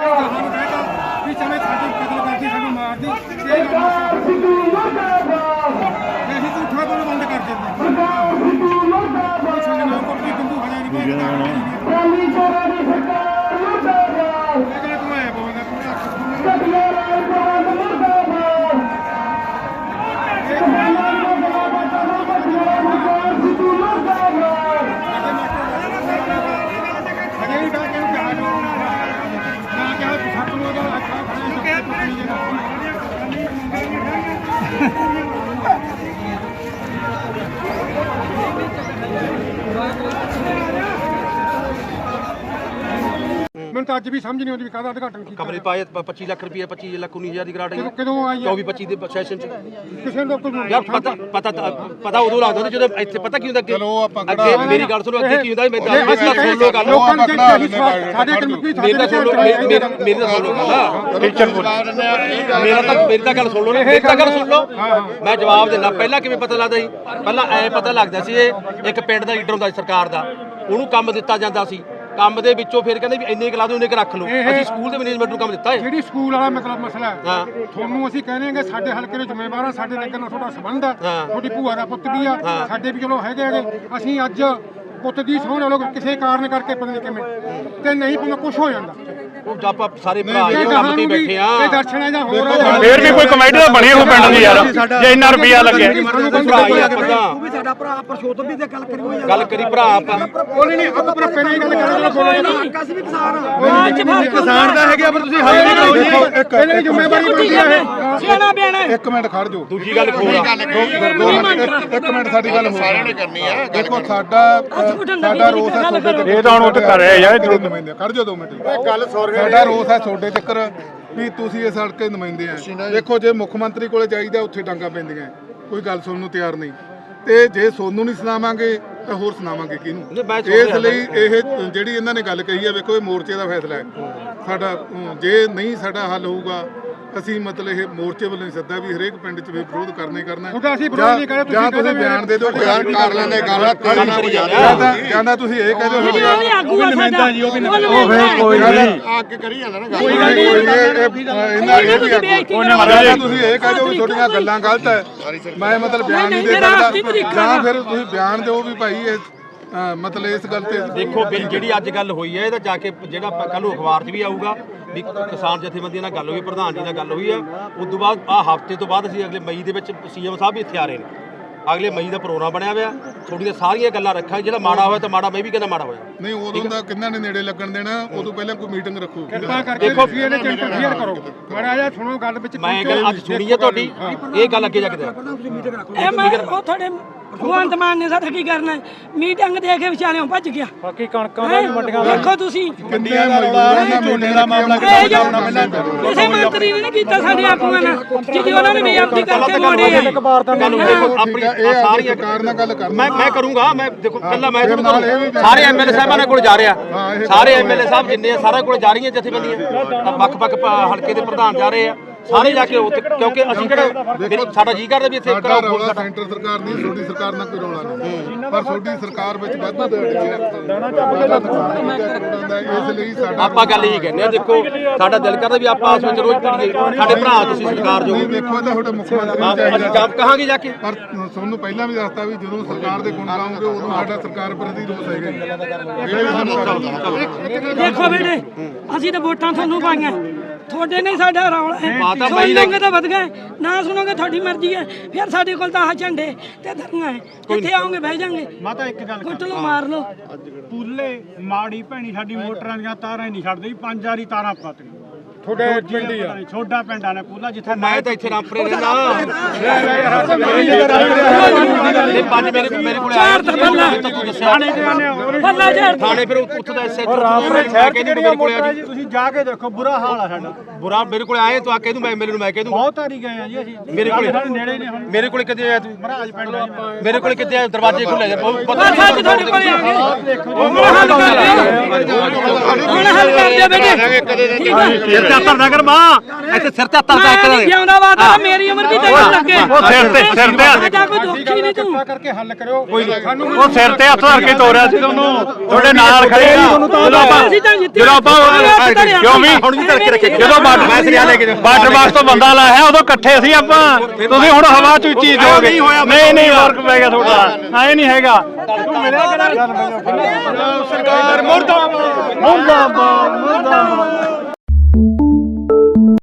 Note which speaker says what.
Speaker 1: ਮੈਨੂੰ ਤਾਂ ਅੱਜ ਵੀ ਸਮਝ ਨਹੀਂ ਆਉਂਦੀ ਵੀ ਕਾਹਦਾ ਉਦਘਾਟਨ ਕੀਤਾ।
Speaker 2: ਕਮਰੇ ਪਾਏ 25 ਲੱਖ ਰੁਪਏ 25 ਲੱਖ 19,000 ਦੀ ਗ੍ਰਾਂਟ ਆਈ
Speaker 1: ਕਦੋਂ ਆਈ
Speaker 2: 24-25 ਦੇ ਸੈਸ਼ਨ ਚ
Speaker 1: ਕਿਸੇ ਨੂੰ
Speaker 2: ਯਾਰ ਪਤਾ ਉਦੋਂ ਲੱਗਦਾ ਜਦੋਂ ਇੱਥੇ ਪਤਾ ਕੀ ਹੁੰਦਾ ਅੱਗੇ ਮੇਰੀ ਗੱਲ ਸੁਣੋ ਅੱਗੇ ਕੀ ਹੁੰਦਾ ਮੈਂ ਸੁਣ ਲਓ ਗੱਲ ਮੇਰੀ ਤਾਂ ਸੁਣ ਲਓ ਮੇਰੀ ਤਾਂ ਗੱਲ ਸੁਣ ਲਓ ਮੇਰੀ ਤਾਂ ਗੱਲ ਸੁਣ ਲਓ ਮੈਂ ਜਵਾਬ ਦਿੰਦਾ। ਪਹਿਲਾਂ ਕਿਵੇਂ ਪਤਾ ਲੱਗਦਾ ਸੀ? ਪਹਿਲਾਂ ਐ ਪਤਾ ਲੱਗਦਾ ਸੀ ਇਹ ਇੱਕ ਪਿੰਡ ਦਾ ਲੀਡਰ ਹੁੰਦਾ ਸੀ ਸਰਕਾਰ ਦਾ, ਉਹਨੂੰ ਕੰਮ ਦਿੱਤਾ ਜਾਂਦਾ ਸੀ, ਕੰਮ ਦੇ ਵਿੱਚੋਂ ਫਿਰ ਕਹਿੰਦੇ ਵੀ ਇੰਨੇ ਕਲਾ ਦੇ ਉਹਨੇ ਰੱਖ ਲਓ। ਅਸੀਂ ਸਕੂਲ ਦੇ ਮੈਨੇਜਮੈਂਟ ਨੂੰ ਕੰਮ ਦਿੱਤਾ ਹੈ।
Speaker 1: ਜਿਹੜੀ ਸਕੂਲ ਵਾਲਾ ਮਤਲਬ ਮਸਲਾ ਹੈ ਤੁਹਾਨੂੰ ਅਸੀਂ ਕਹਿੰਦੇ ਹਾਂ ਸਾਡੇ ਹਲਕੇ ਦੇ ਜ਼ਿੰਮੇਵਾਰ ਆ, ਸਾਡੇ ਨਗਰ ਨਾਲ ਤੁਹਾਡਾ ਸੰਬੰਧ ਆ, ਤੁਹਾਡੀ ਭੂਆ ਦਾ ਪੁੱਤ ਵੀ ਆ, ਸਾਡੇ ਵੀ ਚਲੋ ਹੈਗੇ ਅਸੀਂ ਅੱਜ ਪੁੱਤ ਦੀ ਸੋਹਣ ਲੋਕ ਕਿਸੇ ਕਾਰਨ ਕਰਕੇ ਪਤਾ ਨਹੀਂ ਕਿਵੇਂ ਤੇ ਨਹੀਂ ਪਤਾ ਕੁਝ ਹੋ ਜਾਂਦਾ।
Speaker 2: ਉਹ ਆਪਾਂ ਸਾਰੇ ਭਰਾ ਇਹ ਕੰਮ ਤੇ ਬੈਠੇ ਆ
Speaker 1: ਇਹ ਦਰਸ਼ਨਾਂ ਜਾਂ ਹੋਰ
Speaker 3: ਫੇਰ ਵੀ ਕੋਈ ਕਮੇਟੀ ਤਾਂ ਬਣੀ ਹੋ ਪਿੰਡ ਦੀ ਯਾਰ, ਜੇ ਇੰਨਾ ਰੁਪਿਆ ਲੱਗਿਆ
Speaker 2: ਤੂੰ
Speaker 4: ਵੀ ਸਾਡਾ ਭਰਾ ਪਰਸ਼ੋਤਮ ਵੀ ਤੇ
Speaker 2: ਗੱਲ ਕਰੀ ਭਰਾ ਆਪਾਂ
Speaker 1: ਬੋਲੇ ਨਹੀਂ ਆਪਾਂ ਪਰ ਪਹਿਲਾਂ ਹੀ ਗੱਲ ਕਰਾਂਗੇ ਬੋਲੇ ਨਹੀਂ
Speaker 4: ਅਸੀਂ ਵੀ ਕਿਸਾਨ
Speaker 1: ਦਾ ਹੈਗਾ ਪਰ ਤੁਸੀਂ ਹੱਲ ਨਹੀਂ ਕਰੋਗੇ ਪਹਿਲਾਂ ਹੀ ਜ਼ਿੰਮੇਵਾਰੀ ਬਣਦੀ ਹੈ
Speaker 4: ਸਿਆਣਾ ਬਿਆਣਾ।
Speaker 5: ਇੱਕ ਮਿੰਟ ਖੜ ਜਾਓ,
Speaker 2: ਦੂਜੀ ਗੱਲ ਖੋਲ
Speaker 5: ਇੱਕ ਮਿੰਟ ਸਾਡੀ ਗੱਲ ਸਾਰਿਆਂ ਨੇ ਕਰਨੀ ਆ। ਦੇਖੋ ਸਾਡਾ ਰੋਸ ਹੈ ਤੁਹਾਡੇ ਤੇ,
Speaker 3: ਇਹ ਤਾਂ ਹੁਣ ਉੱਥੇ ਕਰ ਰਿਹਾ ਯਾਰ
Speaker 5: ਖੜ ਜਾਓ 2 ਮਿੰਟ। ਸਾਡਾ ਰੋਸ ਹੈ ਤੁਹਾਡੇ ਚੱਕਰ ਵੀ ਤੁਸੀਂ ਇਸ ਹਲਕੇ ਨੁਮਾਇੰਦੇ ਆ। ਦੇਖੋ ਜੇ ਮੁੱਖ ਮੰਤਰੀ ਕੋਲੇ ਜਾਈਦਾ ਉੱਥੇ ਡਾਂਗਾ ਪੈਂਦੀਆਂ, ਕੋਈ ਗੱਲ ਸੁਣਨ ਨੂੰ ਤਿਆਰ ਨਹੀਂ, ਤੇ ਜੇ ਸੋਨੂੰ ਨਹੀਂ ਸੁਣਾਵਾਂਗੇ ਤਾਂ ਹੋਰ ਸੁਣਾਵਾਂਗੇ ਕਿਹਨੂੰ? ਇਸ ਲਈ ਇਹ ਜਿਹੜੀ ਇਹਨਾਂ ਨੇ ਗੱਲ ਕਹੀ ਹੈ, ਵੇਖੋ ਇਹ ਮੋਰਚੇ ਦਾ ਫੈਸਲਾ ਹੈ ਸਾਡਾ। ਜੇ ਨਹੀਂ ਸਾਡਾ ਹੱਲ ਹੋਊਗਾ ਅਸੀਂ ਮਤਲਬ ਇਹ ਮੋਰਚੇ ਵੱਲੋਂ ਸੱਦਾ ਵੀ ਹਰੇਕ ਪਿੰਡ 'ਚ ਵਿਰੋਧ ਕਰਨਾ ਹੀ ਕਰਨਾ। ਜਾਂ ਤੁਸੀਂ ਬਿਆਨ ਦੇ ਦਿਓ, ਬਿਆਨ ਕਰ ਲੈਂਦੇ ਜਾਂਦਾ ਤੁਸੀਂ ਇਹ ਕਹਿ ਦਿਓ
Speaker 4: ਅੱਗੇ ਕਰੀ ਜਾਂਦਾ ਨਾ
Speaker 5: ਤੁਸੀਂ ਇਹ ਕਹਿ ਦਿਓ ਵੀ ਤੁਹਾਡੀਆਂ ਗੱਲਾਂ ਗਲਤ ਹੈ, ਮੈਂ ਮਤਲਬ ਬਿਆਨ ਨਹੀਂ ਦੇ ਸਕਦਾ, ਜਾਂ ਫਿਰ ਤੁਸੀਂ ਬਿਆਨ ਦਿਓ ਵੀ ਭਾਈ ਇਹ ਮਤਲਬ ਇਸ ਗੱਲ ਤੇ
Speaker 2: ਦੇਖੋ ਜਿਹੜੀ ਅੱਜ ਗੱਲ ਹੋਈ ਹੈ ਇਹਦਾ ਜਾ ਕੇ ਜਿਹੜਾ ਕੱਲ ਨੂੰ ਅਖਬਾਰ 'ਚ ਵੀ ਆਊਗਾ ਵੀ ਕਿਸਾਨ ਜਥੇਬੰਦੀਆਂ ਨਾਲ ਗੱਲ ਹੋਈ, ਪ੍ਰਧਾਨ ਜੀ ਨਾਲ ਗੱਲ ਹੋਈ ਹੈ। ਉਸ ਤੋਂ ਬਾਅਦ ਹਫ਼ਤੇ ਤੋਂ ਬਾਅਦ ਅਸੀਂ ਅਗਲੇ ਮਈ ਦੇ ਵਿੱਚ ਸੀਐਮ ਸਾਹਿਬ ਵੀ ਇੱਥੇ ਆ ਰਹੇ ਨੇ, ਅਗਲੇ ਮਈ ਦਾ ਪ੍ਰੋਗਰਾਮ ਬਣਿਆ ਹੋਇਆ, ਥੋੜੀਆਂ ਸਾਰੀਆਂ ਗੱਲਾਂ ਰੱਖਾਂ, ਜਿਹੜਾ ਮਾੜਾ ਹੋਇਆ ਤਾਂ ਮਾੜਾ, ਮੈਂ ਵੀ ਕਹਿੰਦਾ ਮਾੜਾ ਹੋਇਆ
Speaker 5: ਨਹੀਂ, ਉਦੋਂ ਦਾ ਕਿੰਨਾ ਨੇ ਨੇੜੇ ਲੱਗਣ ਦੇਣਾ, ਉਦੋਂ ਪਹਿਲਾਂ ਕੋਈ ਮੀਟਿੰਗ ਰੱਖੋ।
Speaker 1: ਦੇਖੋ ਇਹਦੇ ਚ ਇੰਟਰਫੇਅਰ ਕਰੋ ਮਾੜਾ ਜਿਹਾ ਸੁਣੋ ਗੱਲ ਵਿੱਚ।
Speaker 2: ਮੈਂ ਗੱਲ ਅੱਜ ਸੁਣੀ ਹੈ ਤੁਹਾਡੀ, ਇਹ ਗੱਲ ਅੱਗੇ ਜਾ ਕੇ
Speaker 4: ਇਹ ਮੈਂ ਉਹ ਤੁਹਾਡੇ ਭਗਵੰਤ ਮਾਨ ਨੇ ਸਾਡਾ ਕੀ ਕਰਨਾ, ਮੀਟਿੰਗ ਦੇ ਕੇ ਵਿਚਾਰਿਓਂ ਭੱਜ ਗਿਆ।
Speaker 3: ਬਾਕੀ ਕਣਕਾਂ ਦਾ ਵੀ ਮੰਡੀਆਂ
Speaker 4: ਦੇਖੋ ਤੁਸੀਂ
Speaker 5: ਕਿੰਨੇ ਝੋਨੇ ਦਾ ਮਾਮਲਾ
Speaker 4: ਕਿਸੇ ਮੰਤਰੀ ਨੇ ਨਹੀਂ ਕੀਤਾ ਸਾਡੇ ਆਗੂਆਂ ਨਾਲ, ਜਿਹਦੀ ਉਹਨਾਂ ਨੇ ਬੇਅਦਬੀ ਕਰਕੇ ਮੋੜੇ ਆ।
Speaker 2: ਸਾਰੀਆਂ
Speaker 5: ਸਰਕਾਰ ਨਾਲ ਗੱਲ ਕਰ,
Speaker 2: ਮੈਂ ਕਰੂੰਗਾ। ਮੈਂ ਦੇਖੋ ਕੱਲਾ ਮੈਂ ਸਾਰੇ ਐਮਐਲਏ ਸਾਹਿਬਾਂ ਕੋਲ ਜਾ ਰਿਹਾ, ਸਾਰੇ ਐਮਐਲਏ ਸਾਹਿਬ ਜਿੰਨੇ ਆ ਸਾਰਿਆਂ ਕੋਲ ਜਾ ਰਹੀਆਂ ਜਥੇਬੰਦੀਆਂ, ਵੱਖ-ਵੱਖ ਹਲਕੇ ਦੇ ਪ੍ਰਧਾਨ ਜਾ ਰਹੇ ਆ ਸਾਰੇ ਜਾ ਕੇ ਉੱਥੇ, ਕਿਉਂਕਿ ਅਸੀਂ ਕਿਹੜਾ ਸਾਡਾ ਜੀ ਕਰਦਾ ਵੀ ਇੱਥੇ
Speaker 5: ਸੈਂਟਰ ਸਰਕਾਰ ਨਹੀਂ, ਤੁਹਾਡੀ ਸਰਕਾਰ ਨਾਲ ਕੋਈ ਰੌਲਾ ਨਹੀਂ, ਪਰ ਤੁਹਾਡੀ ਸਰਕਾਰ ਵਿੱਚ ਵਾਧਾ ਇਸ ਲਈ ਸਾਡਾ
Speaker 2: ਆਪਾਂ ਗੱਲ ਇਹੀ ਕਹਿੰਦੇ ਆ। ਦੇਖੋ ਸਾਡਾ ਦਿਲ ਕਰਦਾ ਵੀ ਆਪਾਂ ਆਪਸ ਵਿੱਚ ਰੋਜ਼ ਪੜੀਏ, ਸਾਡੇ ਭਰਾ ਤੁਸੀਂ ਸਰਕਾਰ ਜੋ
Speaker 5: ਦੇਖੋ ਤਾਂ ਤੁਹਾਡੇ ਮੁੱਖ ਮੰਤਰੀ
Speaker 2: ਅਸੀਂ ਕੰਮ ਕਹਾਂਗੇ ਜਾ ਕੇ।
Speaker 5: ਪਰ ਤੁਹਾਨੂੰ ਪਹਿਲਾਂ ਵੀ ਦੱਸਤਾ ਵੀ ਜਦੋਂ ਸਰਕਾਰ ਦੇ ਗੁਣ ਗਾਉਂਗੇ ਉਦੋਂ ਸਾਡਾ ਸਰਕਾਰ ਪ੍ਰਤੀ ਰੋਸ ਹੈਗਾ।
Speaker 4: ਦੇਖੋ ਬੇਟੇ ਅਸੀਂ ਤਾਂ ਵੋਟਾਂ ਤੁਹਾਨੂੰ ਪਾਈਆਂ, ਤੁਹਾਡੇ ਨਹੀਂ ਸਾਡਾ ਰੌਲਾ ਹੈ। ਸੁਣੋਗੇ ਤਾਂ ਵਧ ਗਏ, ਨਾ ਸੁਣੋਗੇ ਤੁਹਾਡੀ ਮਰਜ਼ੀ ਹੈ। ਫਿਰ ਸਾਡੇ ਕੋਲ ਤਾਂ ਆਹ ਝੰਡੇ ਤੇ ਧਰਨਾ ਹੈ, ਜਿੱਥੇ ਆਓਗੇ ਬਹਿ ਜਾਾਂਗੇ।
Speaker 3: ਮਾਤਾ ਇੱਕ ਗੱਲ
Speaker 4: ਕੁੱਟ ਲਓ, ਮਾਰ ਲਓ।
Speaker 3: ਪੂਲੇ ਮਾੜੀ ਭੈਣੀ ਸਾਡੀ ਮੋਟਰਾਂ ਦੀਆਂ ਤਾਰਾਂ ਹੀ ਨਹੀਂ ਛੱਡਦੀ, 5 ਵਾਰੀ ਤਾਰਾਂ ਪਾਤੀਆਂ।
Speaker 1: ਤੁਹਾਡੇ ਪਿੰਡ ਹੀ ਆ,
Speaker 3: ਛੋਟਾ ਪਿੰਡ ਆ ਨਾ ਪੂਲਾ, ਜਿੱਥੇ
Speaker 2: ਮੈਂ ਤਾਂ ਇੱਥੇ ਰਾਮਪੁਰੇ ਰਹਿੰਦਾ। ਪੰਜ ਮੇਰੇ ਕੋਲ ਆਇਆ ਥਾਣੇ, ਫਿਰ ਉੱਥੋਂ ਦਾ
Speaker 3: ਰਾਮਪੁਰੇ ਸ਼ਹਿਰ ਚ ਤੁਸੀਂ ਜਾ ਕੇ ਦੇਖੋ, ਬੁਰਾ ਹਾਲ ਆ ਸਾਡਾ।
Speaker 2: ਬੁਰਾ ਮੇਰੇ ਕੋਲ ਆਏ ਤਾਂ ਕਹਿ ਦੂੰ, ਮੈਂ ਨੂੰ ਮੈਂ ਕਹਿ ਦੂੰ
Speaker 3: ਬਹੁਤ ਵਾਰੀ ਗਏ ਆ ਜੀ ਅਸੀਂ।
Speaker 2: ਮੇਰੇ ਕੋਲ
Speaker 3: ਨੇੜੇ ਨੇ ਹੁਣ,
Speaker 2: ਮੇਰੇ ਕੋਲ ਕਿੱਥੇ ਆਇਆ ਤੂੰ?
Speaker 3: ਮਹਾਰਾਜ ਪਿੰਡ ਆ
Speaker 2: ਮੇਰੇ ਕੋਲ ਕਿੱਥੇ ਆਇਆ? ਦਰਵਾਜ਼ੇ ਖੁੱਲੇ ਜਾ
Speaker 4: ਤੁਹਾਡੇ ਕੋਲੇ ਆ ਗਏ, ਹੁਣ ਹੱਲ ਕਰ ਦਿਓ, ਹੁਣ ਹੱਲ ਕਰ ਦਿਓ ਬੇਟੇ। ਠੀਕ ਹੈ
Speaker 2: ਹੱਥ ਨਾ ਕਰ ਮਾਂ ਇੱਥੇ ਸਿਰ ਤੇ ਹੱਥ ਦਾ
Speaker 4: ਮੈਂ ਨਹੀਂ ਜਿਉਂਦਾ ਵਾਦਾ ਮੇਰੀ ਉਮਰ ਵੀ ਤੈਨੂੰ ਲੱਗੇ
Speaker 6: ਉਹ ਸਿਰ ਤੇ
Speaker 4: ਸਾਡਾ ਕੋਈ ਦੁੱਖ ਹੀ ਨਹੀਂ ਤੂੰ
Speaker 1: ਕਰਕੇ ਹੱਲ ਕਰਿਓ ਸਾਨੂੰ
Speaker 6: ਉਹ ਸਿਰ ਤੇ ਹੱਥ ਧਰ ਕੇ ਤੋਰਿਆ ਸੀ ਤੁਹਾਨੂੰ ਤੁਹਾਡੇ ਨਾਲ ਖੜੇ ਆ ਜਦੋਂ ਆਪਾਂ ਕਿਉਂ ਵੀ
Speaker 2: ਹੁਣ ਵੀ ਧਰ ਕੇ ਰੱਖੇ
Speaker 6: ਜਦੋਂ ਬਾਰਡਰ ਬਾਕਸ ਤੋਂ ਬੰਦਾ ਲਾਇਆ ਉਦੋਂ ਇਕੱਠੇ ਸੀ ਆਪਾਂ ਤੁਸੀਂ ਹੁਣ ਹਵਾ ਚ ਉੱਚੀ ਜਾਓਗੇ ਨਹੀਂ ਫਰਕ ਪੈ ਗਿਆ ਤੁਹਾਡਾ ਐ ਨਹੀਂ ਹੈਗਾ ਤੂੰ ਮਿਲਿਆ ਕਿਹੜਾ ਸਰਕਾਰ ਮੁਰਦਾਬਾਦ ਮੁਰਦਾਬਾਦ ਮੁਰਦਾਬਾਦ